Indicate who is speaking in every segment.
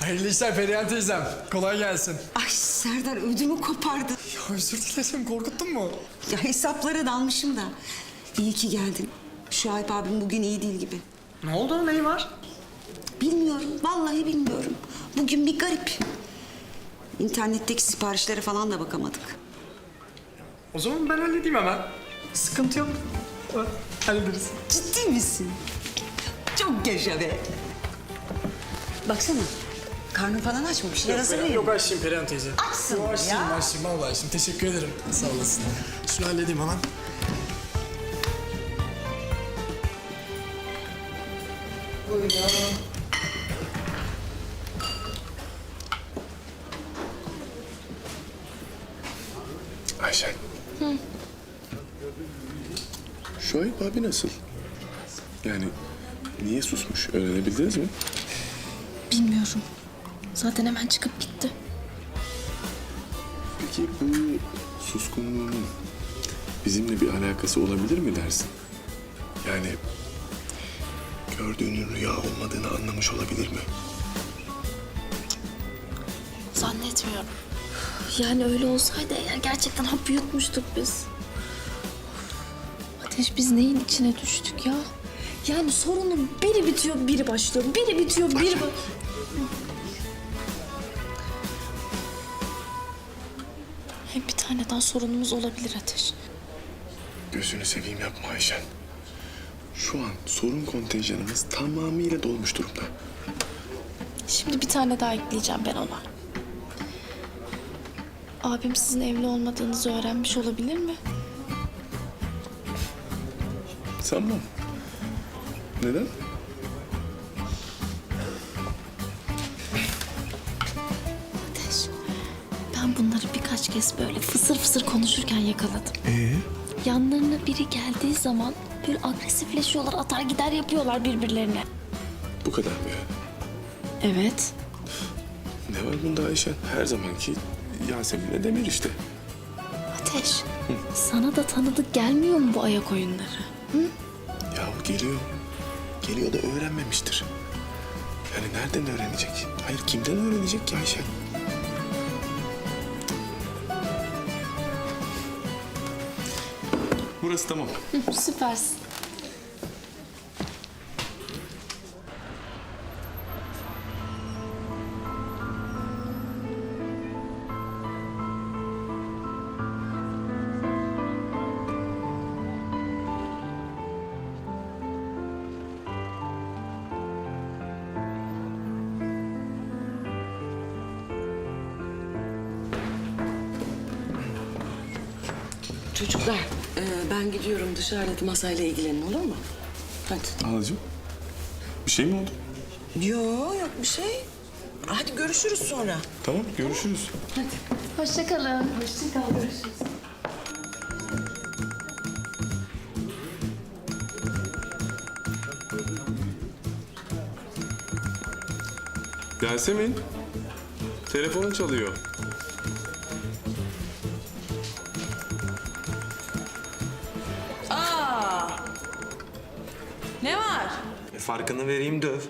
Speaker 1: Hayırlı işler Perihan teyzem. Kolay gelsin.
Speaker 2: Ay Serdar ödümü kopardı.
Speaker 1: Ya özür dilerim, korkuttun mu?
Speaker 2: Ya hesaplara dalmışım da. İyi ki geldin. Şuayb abim bugün iyi değil gibi.
Speaker 1: Ne oldu, neyi var?
Speaker 2: Bilmiyorum, vallahi bilmiyorum. Bugün bir garip. İnternetteki siparişlere falan da bakamadık.
Speaker 1: O zaman ben halledeyim hemen. Sıkıntı yok. Hallederiz.
Speaker 2: Ciddi misin? Çok yaşa be. Baksana, karnın falan aç mı? Bir şeyler hazırlayayım.
Speaker 1: Yok açayım Perihan teyze.
Speaker 2: Açsın
Speaker 1: Yok,
Speaker 2: ya.
Speaker 1: açayım. Vallahi açayım. Teşekkür ederim. Sağ olasın. Şunu halledeyim hemen. Buyurun.
Speaker 3: Ayşen. Hı. Şuayb abi nasıl? Yani niye susmuş? Öğrenebildiniz mi?
Speaker 4: Bilmiyorum. Zaten hemen çıkıp gitti.
Speaker 3: Peki bu suskunluğunun bizimle bir alakası olabilir mi dersin? Yani gördüğünün rüya olmadığını anlamış olabilir mi?
Speaker 4: Zannetmiyorum. Yani öyle olsaydı eğer gerçekten hapı yutmuştuk biz. Ateş, biz neyin içine düştük ya? Yani sorunun biri bitiyor, biri başlıyor. Biri bitiyor, biri Hem bir tane daha sorunumuz olabilir Ateş.
Speaker 3: Gözünü seveyim yapma Ayşen. Şu an sorun kontenjanımız tamamıyla dolmuş durumda.
Speaker 4: Şimdi bir tane daha ekleyeceğim ben ona. Abim sizin evli olmadığınızı öğrenmiş olabilir mi?
Speaker 3: Sanmam. Neden?
Speaker 4: Ateş, ben bunları birkaç kez böyle fısır fısır konuşurken yakaladım. Yanlarına biri geldiği zaman böyle agresifleşiyorlar, atar gider yapıyorlar birbirlerine.
Speaker 3: Bu kadar mı yani?
Speaker 4: Evet.
Speaker 3: Ne var bunda Ayşen? Her zamanki Yasemin'le Demir işte.
Speaker 4: Ateş, sana da tanıdık gelmiyor mu bu ayak oyunları?
Speaker 3: Yahu geliyor. Geliyor da öğrenmemiştir. Yani nereden öğrenecek? Hayır, kimden öğrenecek ki Ayşen? Burası tamam.
Speaker 4: Süpersin.
Speaker 2: Çocuklar, ben gidiyorum. Dışarıdaki masayla ilgilenin, olur mu? Hadi.
Speaker 3: Halacığım, bir şey mi oldu?
Speaker 2: Yok bir şey. Hadi görüşürüz sonra.
Speaker 3: Tamam, görüşürüz.
Speaker 4: Hoşça kalın. Hoşça kal, görüşürüz.
Speaker 3: Yasemin, telefonun çalıyor.
Speaker 5: Ne var?
Speaker 6: Farkını vereyim döv.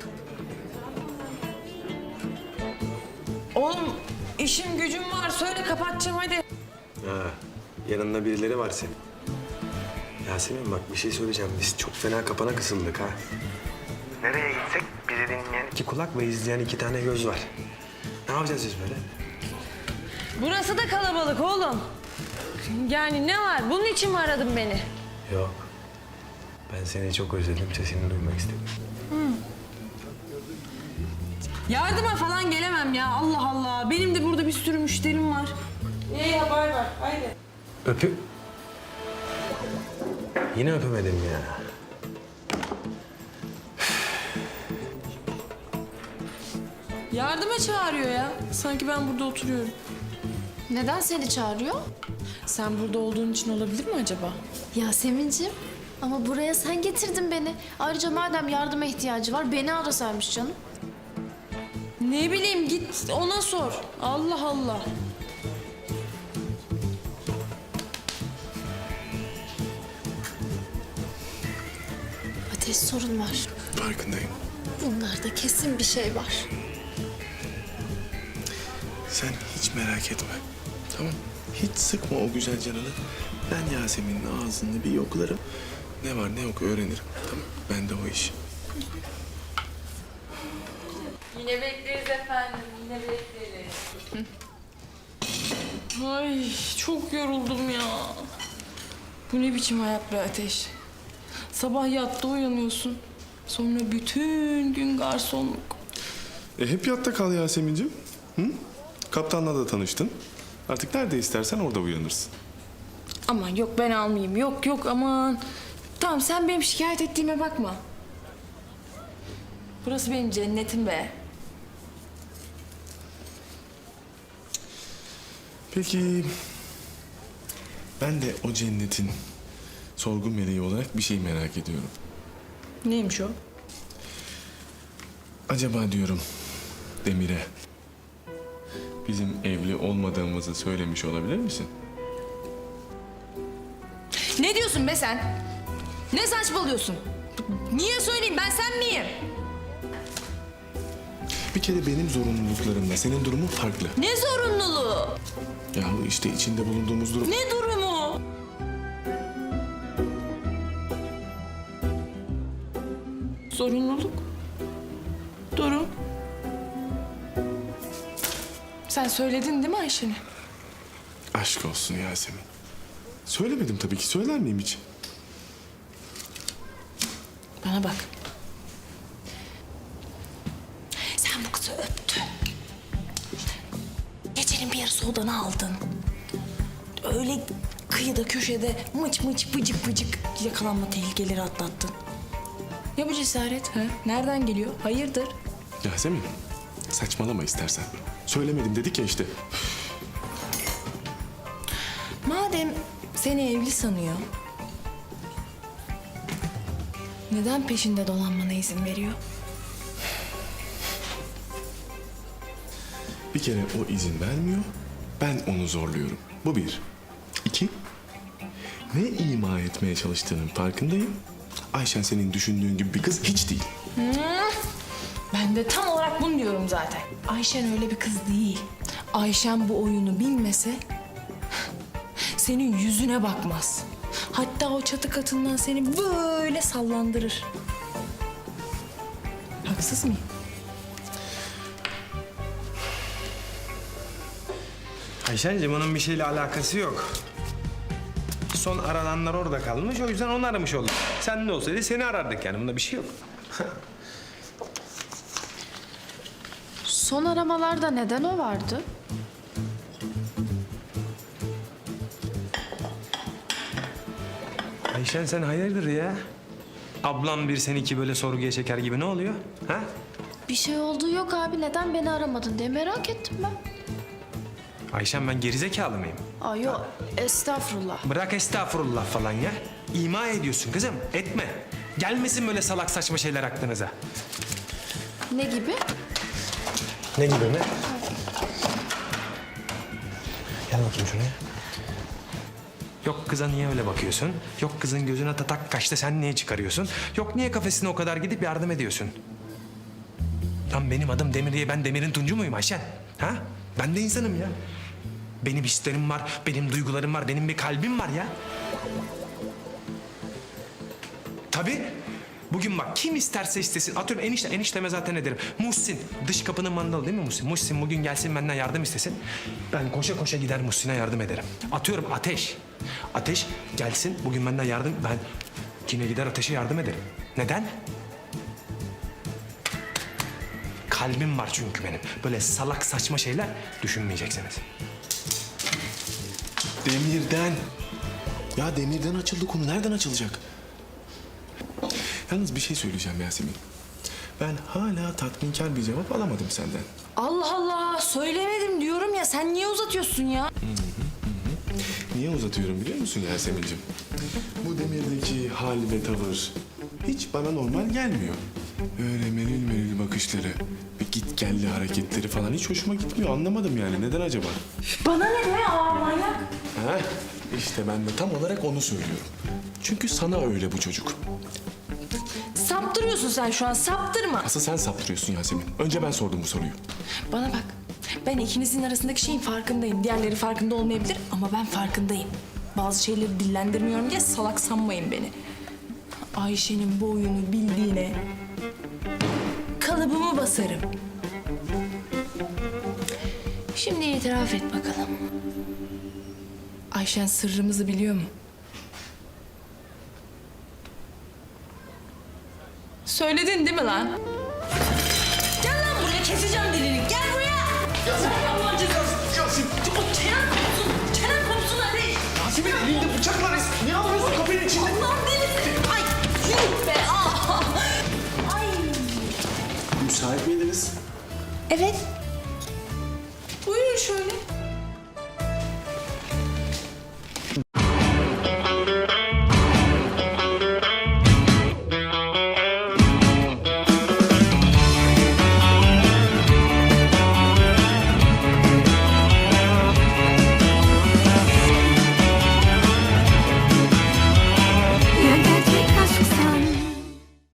Speaker 5: Oğlum işim gücüm var. Söyle kapatacağım hadi.
Speaker 6: Ha, yanında birileri var senin. Yasemin bak bir şey söyleyeceğim. Biz çok fena kapana kısıldık ha. Nereye gitsek bizi dinleyen iki kulak ve izleyen iki tane göz var. Ne yapacağız biz böyle?
Speaker 5: Burası da kalabalık oğlum. Yani ne var? Bunun için mi aradın beni?
Speaker 6: Yok. Ben seni çok özledim. Sesini duymak istedim.
Speaker 5: Yardıma falan gelemem ya. Allah Allah. Benim de burada bir sürü müşterim var. İyi haber ver. Haydi.
Speaker 6: Öpü... Yine öpemedim ya.
Speaker 5: Yardıma çağırıyor ya. Sanki ben burada oturuyorum.
Speaker 4: Neden seni çağırıyor?
Speaker 5: Sen burada olduğun için olabilir mi acaba?
Speaker 4: Yasemin'ciğim, ama buraya sen getirdin beni. Ayrıca madem yardıma ihtiyacı var, beni arasaymış canım.
Speaker 5: Ne bileyim git ona sor. Allah Allah.
Speaker 4: Ateş, sorun var.
Speaker 3: Farkındayım.
Speaker 4: Bunlarda kesin bir şey var.
Speaker 3: Sen hiç merak etme. Tamam. Hiç sıkma o güzel canını. Ben Yasemin'in ağzını bir yoklarım. Ne var ne yok öğrenirim. Tamam. Ben de o iş.
Speaker 5: Yine bekleriz efendim, yine bekleriz. Ay çok yoruldum ya. Bu ne biçim hayat be Ateş? Sabah yatta uyanıyorsun. Sonra bütün gün garsonluk.
Speaker 3: Hep yatta kal Yasemin'cim. Hı? Kaptanla da tanıştın. Artık nerede istersen orada uyanırsın.
Speaker 5: Aman yok ben almayayım. Yok aman. Tamam sen benim şikayet ettiğime bakma. Burası benim cennetim be.
Speaker 3: Peki ben de o cennetin sorgu meleği olarak bir şey merak ediyorum.
Speaker 5: Neymiş o?
Speaker 3: Acaba diyorum Demir'e bizim evli olmadığımızı söylemiş olabilir misin?
Speaker 5: Ne diyorsun be sen? Ne saçmalıyorsun? Niye söyleyeyim ben sen miyim?
Speaker 3: Bir kere benim zorunluluklarımla senin durumun farklı.
Speaker 5: Ne zorunluluğu?
Speaker 3: Yahu işte içinde bulunduğumuz durum...
Speaker 5: Ne durumu? Zorunluluk. Durum. Sen söyledin değil mi Ayşen'e?
Speaker 3: Aşk olsun Yasemin. Söylemedim tabii ki. Söyler miyim hiç?
Speaker 5: Bana bak. Sen bu kızı öptün. Gecenin bir yarısı odana aldın. Öyle kıyıda köşede mıç mıç bıcık bıcık yakalanma tehlikeleri atlattın. Ya bu cesaret? Ha? Nereden geliyor? Hayırdır?
Speaker 3: Yasemin saçmalama istersen. Söylemedim dedik ya işte.
Speaker 5: Madem seni evli sanıyor, neden peşinde dolanmana izin veriyor?
Speaker 3: Bir kere o izin vermiyor. Ben onu zorluyorum. Bu bir. İki. Ne ima etmeye çalıştığının farkındayım. Ayşen senin düşündüğün gibi bir kız hiç değil.
Speaker 5: Ben de tam olarak bunu diyorum zaten. Ayşen öyle bir kız değil. Ayşen bu oyunu bilmese senin yüzüne bakmaz. Hatta o çatı katından seni böyle sallandırır. Haksız mıyım?
Speaker 6: Ayşen'cim onun bir şeyle alakası yok. Son arananlar orada kalmış, o yüzden onu aramış olduk. Sen de olsaydı seni arardık yani, bunda bir şey yok.
Speaker 4: Son aramalarda neden o vardı?
Speaker 6: Ayşen sen hayırdır ya? Ablam bir seni iki böyle sorguya çeker gibi ne oluyor? Ha?
Speaker 4: Bir şey olduğu yok abi. Neden beni aramadın diye merak ettim ben.
Speaker 6: Ayşen ben gerizekalı mıyım?
Speaker 4: Ay yok. Estağfurullah.
Speaker 6: Bırak estağfurullah falan ya. İma ediyorsun kızım, etme. Gelmesin böyle salak saçma şeyler aklınıza.
Speaker 4: Ne gibi?
Speaker 6: Ne gibi mi? Gel bakayım şuraya. Yok kıza niye öyle bakıyorsun? Yok kızın gözüne tatak kaçtı sen niye çıkarıyorsun? Yok niye kafesine o kadar gidip yardım ediyorsun? Lan benim adım Demir diye ben Demir'in tuncu muyum Ayşen? Ha? Ben de insanım ya. Benim hislerim var, benim duygularım var, benim bir kalbim var ya. Tabii. Bugün bak kim isterse istesin. Atıyorum enişteme zaten ederim. Muhsin, dış kapının mandalı değil mi Muhsin? Muhsin bugün gelsin benden yardım istesin. Ben koşa koşa gider Muhsin'e yardım ederim. Atıyorum Ateş. Ateş gelsin bugün benden yardım. Ben yine gider Ateş'e yardım ederim. Neden? Kalbim var çünkü benim. Böyle salak saçma şeyler düşünmeyeceksiniz.
Speaker 3: Demirden. Ya Demirden açıldı konu. Nereden açılacak? Yalnız bir şey söyleyeceğim Yasemin. Ben hala tatminkar bir cevap alamadım senden.
Speaker 5: Allah Allah söylemedim diyorum ya sen niye uzatıyorsun ya?
Speaker 3: Niye uzatıyorum biliyor musun Yasemin'ciğim? Bu Demir'deki hal ve tavır hiç bana normal gelmiyor. Öyle melül melül bakışları ve gitgelli hareketleri falan hiç hoşuma gitmiyor. Anlamadım yani. Neden acaba?
Speaker 5: Bana ne be manyak?
Speaker 3: Ha? İşte ben de tam olarak onu söylüyorum. Çünkü sana öyle bu çocuk.
Speaker 5: Saptırıyorsun sen şu an saptırma.
Speaker 3: Asıl sen saptırıyorsun Yasemin. Önce ben sordum bu soruyu.
Speaker 5: Bana bak Ben ikinizin arasındaki şeyin farkındayım. Diğerleri farkında olmayabilir ama ben farkındayım. Bazı şeyleri dillendirmiyorum diye salak sanmayın beni. Ayşe'nin bu oyunu bildiğine kalıbımı basarım. Şimdi itiraf et bakalım. Ayşen sırrımızı biliyor mu? Söyledin değil mi lan?
Speaker 2: Gel lan buraya, keseceğim dilini. Gel buraya.